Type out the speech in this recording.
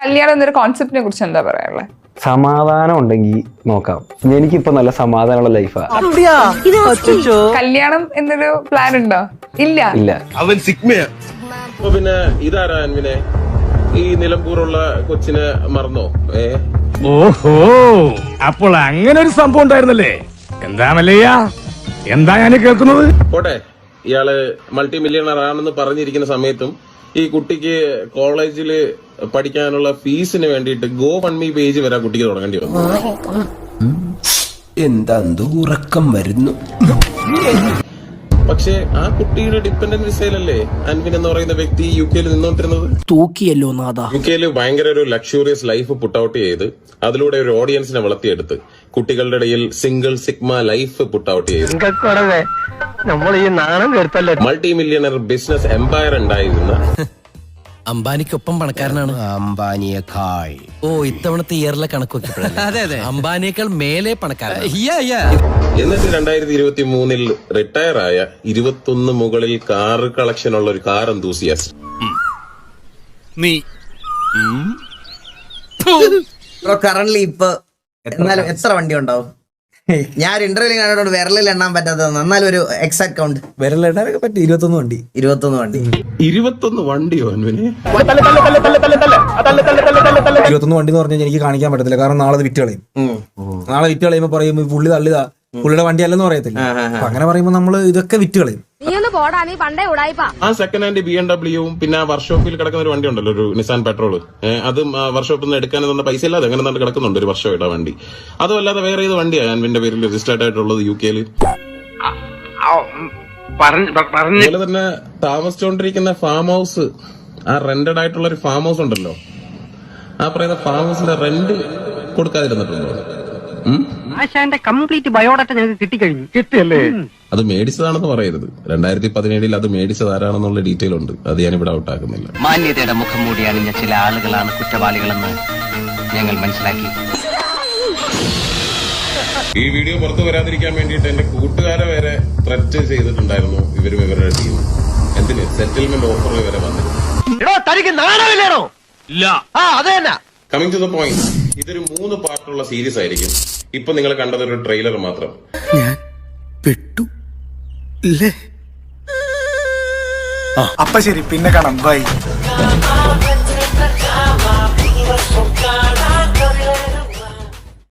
കല്യാണം എന്നൊരു കോൺസെപ്റ്റിനെ കുറിച്ച് എന്താ പറയാനുള്ളത്? സമാധാനം ഉണ്ടെങ്കിൽ നോക്കാം. എനിക്കിപ്പോ നല്ല സമാധാനമുള്ള ലൈഫാ. കല്യാണം എന്നൊരു പ്ലാൻ ഉണ്ടോ? ഇല്ല. അവൻ സിഗ്മയാ. പിന്നെ ഇതാരാ അൻവിനെ ഈ നിലമ്പൂറുള്ള കൊച്ചിനെ മറന്നോ? ഓഹോ, അപ്പോൾ അങ്ങനെ ഒരു സംഭവം ഉണ്ടായിരുന്നല്ലേ? എന്താ മല്ലയ്യ, എന്താ ഞാൻ കേൾക്കുന്നത്? പോട്ടെ, ഇയാള് മൾട്ടി മില്യണർ ആണെന്ന് പറഞ്ഞിരിക്കുന്ന സമയത്തും ഈ കുട്ടിക്ക് കോളേജിൽ പഠിക്കാനുള്ള ഫീസിന് വേണ്ടിയിട്ട് GoFundMe പേജ് വരെ കുട്ടിക്ക് തുടങ്ങേണ്ടി വന്നു. എന്താ ഉറക്കം വരുന്നു. പക്ഷെ ആ കുട്ടിയുടെ ഡിപ്പെൻഡന്റ് വിസയിലല്ലേ അൻവിൻ എന്ന് പറയുന്ന വ്യക്തി UK നിന്നോണ്ടിരുന്നത്. തൂക്കിയല്ലോ നാദാ. UK ഭയങ്കര ഒരു ലക്ഷൂറിയസ് ലൈഫ് പുട്ട് ഔട്ട് ചെയ്ത് അതിലൂടെ ഒരു ഓഡിയൻസിനെ വളർത്തിയെടുത്ത് കുട്ടികളുടെ ഇടയിൽ single sigma life put out ചെയ്ത് നമ്മൾ ഈ നാണം കേട്ടല്ലോ. മൾട്ടി മില്യണർ ബിസിനസ് എംപയർ ഉണ്ടായിരുന്ന അംബാനിക്കൊപ്പം പണക്കാരനാണ്. അംബാനിയേക്കാൾ. ഓ, ഇത്തവണത്തെ ഇയറിലെ കണക്ക് നോക്കിയപ്പോഴല്ലേ അംബാനിയേക്കാൾ മേലെ പണക്കാരൻ. എന്നിട്ട് 2023 റിട്ടയർ ആയ 21 മുകളിൽ കാർ കളക്ഷൻ ഉള്ള ഒരു കാർ എന്തൂസിയാസ്റ്റ്. നീ കറന്റ്ലി ഇപ്പൊ എന്നാലും എത്ര വണ്ടി ഉണ്ടാവും? ഞാൻ ഇന്റർവ്യൂ കണ്ടിട്ടുണ്ട് വിരലിൽ എണ്ണാൻ പറ്റാത്തത്. എന്നാലും ഒരു എക്സാക്ട് കൗണ്ട് വിരലിടാനൊക്കെ പറ്റി 21 വണ്ടി. 21 വണ്ടിയോ അൻവിനെ? 21 വണ്ടി എന്ന് പറഞ്ഞാൽ എനിക്ക് കാണിക്കാൻ പറ്റത്തില്ല. കാരണം നാളെ വിറ്റ് കളയും. നാളെ വിറ്റ് കളയുമ്പോ പറയും പുള്ളി തള്ളിതാ, പുള്ളിയുടെ വണ്ടി അല്ലെന്ന് പറയത്തില്ല. അപ്പൊ അങ്ങനെ പറയുമ്പോ നമ്മള് ഇതൊക്കെ വിറ്റ് കളയും. ആ സെക്കൻഡ് ഹാൻഡ് BMW പിന്നെ ആ വർക്ക്ഷോപ്പിൽ കിടക്കുന്ന ഒരു വണ്ടി ഉണ്ടല്ലോ, ഒരു നിസാൻ പെട്രോൾ. അതും വർക്ക്ഷോപ്പിൽ നിന്ന് എടുക്കാനെന്നുള്ള പൈസ ഇല്ലാതെ അങ്ങനെ കിടക്കുന്നുണ്ട് ഒരു വർഷമായിട്ട് ആ വണ്ടി. അതും അല്ലാതെ വേറെ ഏത് വണ്ടിയാണ് അൻവിന്റെ പേരിൽ രജിസ്റ്റേർഡ് ആയിട്ടുള്ളത് UK? അതുപോലെ തന്നെ താമസിച്ചുകൊണ്ടിരിക്കുന്ന ഫാം ഹൗസ്, ആ റെന്റഡ് ആയിട്ടുള്ള ഒരു ഫാം ഹൗസ് ഉണ്ടല്ലോ, ആ പറയുന്ന ഫാം ഹൗസിന്റെ റെന്റ് കൊടുക്കാതിരുന്നിട്ടുണ്ടോ? ആശാന്റെ കംപ്ലീറ്റ് ബയോഡാറ്റ ഞങ്ങൾക്ക് കിട്ടിക്കഴിഞ്ഞു. കിട്ടിയല്ലേ? അത് മേടിച്ചതാണെന്ന് പറയരുത്. 2017 അത് മേടിച്ചതാരാണെന്നുള്ള ഡീറ്റെയിൽ ഉണ്ട്. അത് ഞാനിവിടെ ഔട്ടാക്കുന്നില്ല. മാന്യതയുടെ മുഖം മൂടി അണിഞ്ഞ ചില ആളുകളാണ് കുറ്റവാളികളെന്ന് ഞങ്ങൾ മനസ്സിലാക്കി. ഈ വീഡിയോ പുറത്തു വരാതിരിക്കാൻ വേണ്ടിയിട്ട് എന്റെ കൂട്ടുകാരെ വരെ ത്രെറ്റ് ചെയ്തിട്ടുണ്ടായിരുന്നു ഇവരും ഇവരുടെ ടീം. എന്തിന്? സെറ്റിൽമെന്റ് ഓഫറിൽ വരെ വന്നിരുന്നു. തനിക്ക് നാണമില്ലേണോ? ഇല്ല. കമ്മിങ് ടു ദ പോയിന്റ്, ഇതൊരു 3 പാർട്ടുള്ള സീരീസ് ആയിരിക്കും. ഇപ്പൊ നിങ്ങൾ കണ്ടത് ഒരു ട്രെയിലർ മാത്രം. ഞാൻ പെട്ടു. അപ്പൊ ശരി, പിന്നെ കാണാം. ബൈ.